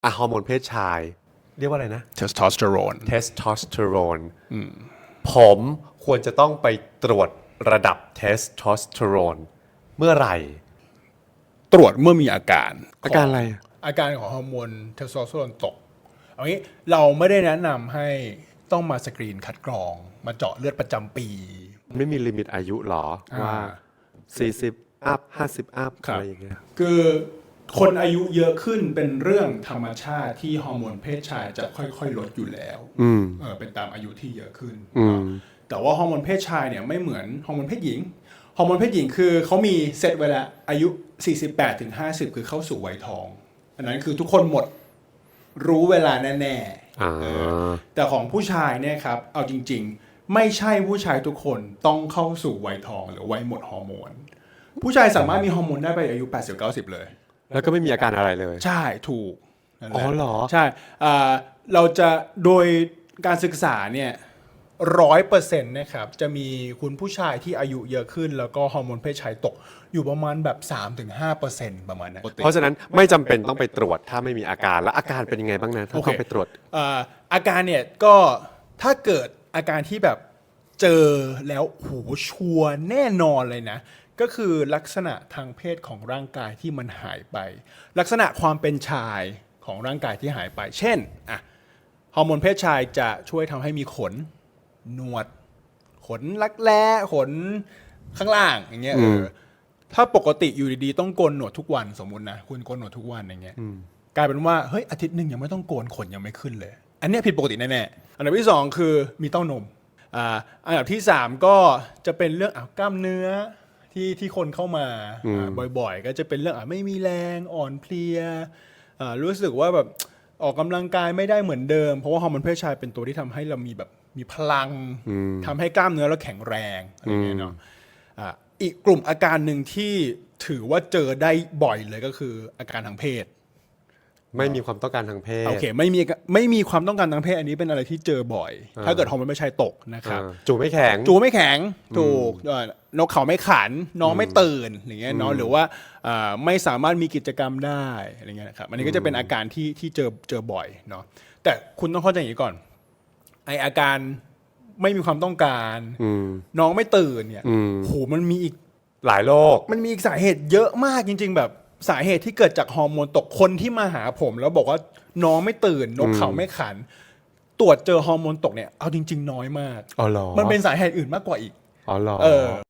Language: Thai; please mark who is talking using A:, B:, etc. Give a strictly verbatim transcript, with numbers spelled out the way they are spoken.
A: อ่ะฮอร์โมนเพศชายเรียกว่าอะไรนะ
B: เทสโทสเตอโรน
A: เทสโทสเตอโรนผมควรจะต้องไปตรวจระดับเทสโทสเตอโรนเมื่อไหร่
B: ตรวจเมื่อมีอาการ
A: อาการอะไร
B: อาการของฮอร์โมนเทสโทสเตอโรนตกเอางี้เราไม่ได้แนะนำให้ต้องมาสกรีนคัดกรองมาเจาะเลือดประจำปี
A: ไม่มีลิมิตอายุหรอว่าสี่สิบอัพห้าสิบอัพอะไรอย่างเงี้ย
B: คือคนอายุเยอะขึ้นเป็นเรื่องธรรมชาติที่ฮอร์โมนเพศชายจะค่อยๆลดอยู่แล้วเออเป็นตามอายุที่เยอะขึ้นแต่ว่าฮอร์โมนเพศชายเนี่ยไม่เหมือนฮอร์โมนเพศหญิงฮอร์โมนเพศหญิงคือเขามีเซตไว้แล้วอายุสี่สิบแปดถึงห้าสิบคือเข้าสู่วัยทองอันนั้นคือทุกคนหมดรู้เวลาแน่ๆแต่ของผู้ชายเนี่ยครับเอาจริงๆไม่ใช่ผู้ชายทุกคนต้องเข้าสู่วัยทองหรือวัยหมดฮอร์โมนผู้ชายสามารถมีฮอร์โมนได้ไปอายุ แปดสิบ เก้าสิบ เลย
A: แล้วก็ไม่มีอาการอะไรเลย
B: ใช่ถูก
A: อ๋อเหรอ
B: ใช่เราจะโดยการศึกษาเนี่ยร้อยเปอร์เซ็นต์นะครับจะมีคุณผู้ชายที่อายุเยอะขึ้นแล้วก็ฮอร์โมนเพศชายตกอยู่ประมาณแบบ สามถึงห้าเปอร์เซ็นต์ ประมาณนั้น
A: เพราะฉะนั้นไม่จำเป็นต้องไปตรวจถ้าไม่มีอาการแล้วอาการเป็นยังไงบ้างนะถ้าต้องไปตรวจ
B: อาการเนี่ยก็ถ้าเกิดอาการที่แบบเจอแล้วโหชัวร์แน่นอนเลยนะก็คือลักษณะทางเพศของร่างกายที่มันหายไปลักษณะความเป็นชายของร่างกายที่หายไปเช่นอะฮอร์โมนเพศชายจะช่วยทำให้มีขนหนวดขนรักแร้ขนข้างล่างอย่างเงี้ยเออถ้าปกติอยู่ดีๆต้องโกนหนวดทุกวันสมมุตินะคุณโกนหนวดทุกวันอย่างเงี้ยกลายเป็นว่าเฮ้ยอาทิตย์หนึ่งยังไม่ต้องโกนขนยังไม่ขึ้นเลยอันนี้ผิดปกติแน่ๆอันดับที่สองคือมีเต้านมอ่าอันดับที่สามก็จะเป็นเรื่องอ่ะกล้ามเนื้อที่ที่คนเข้ามาบ่อยๆก็จะเป็นเรื่องอ่ะไม่มีแรงอ่อนเพลียรู้สึกว่าแบบออกกำลังกายไม่ได้เหมือนเดิมเพราะว่าฮอร์โมนเพศชายเป็นตัวที่ทำให้เรามีแบบมีพลังทำให้กล้ามเนื้อเราแข็งแรงอะไรอย่างเงี้ยเนาะอีกกลุ่มอาการหนึ่งที่ถือว่าเจอได้บ่อยเลยก็คืออาการทางเพศ
A: ไม่มีความต้องการทางเพศ
B: โอเคไม่มีไม่มีความต้องการทางเพศอันนี้เป็นอะไรที่เจอบ่อยถ้าเกิดฮอร์โมนเพศชายตกนะครับ
A: จูไม่แข็ง
B: จูไม่แข็งถูกนกเขาไม่ขันน้องไม่ตื่นอย่างเงี้ยเนาะหรือว่าไม่สามารถมีกิจกรรมได้อะไรเงี้ยนะครับอันนี้ก็จะเป็นอาการที่ที่เจอเจอบ่อยเนาะแต่คุณต้องเข้าใจอย่างนี้ก่อนไออาการไม่มีความต้องการน้องไม่ตื่นเนี่ยโหมันมีอีก
A: หลายโรค
B: มันมีอีกสาเหตุเยอะมากจริงๆแบบสาเหตุที่เกิดจากฮอร์โมนตกคนที่มาหาผมแล้วบอกว่าน้องไม่ตื่นนกเขาไม่ขันตรวจเจอฮอร์โมนตกเนี่ยเอาจริงๆน้อยมาก
A: อ๋อเหรอ
B: มันเป็นสาเหตุอื่นมากกว่าอีก
A: อ๋อเหรอ
B: เออ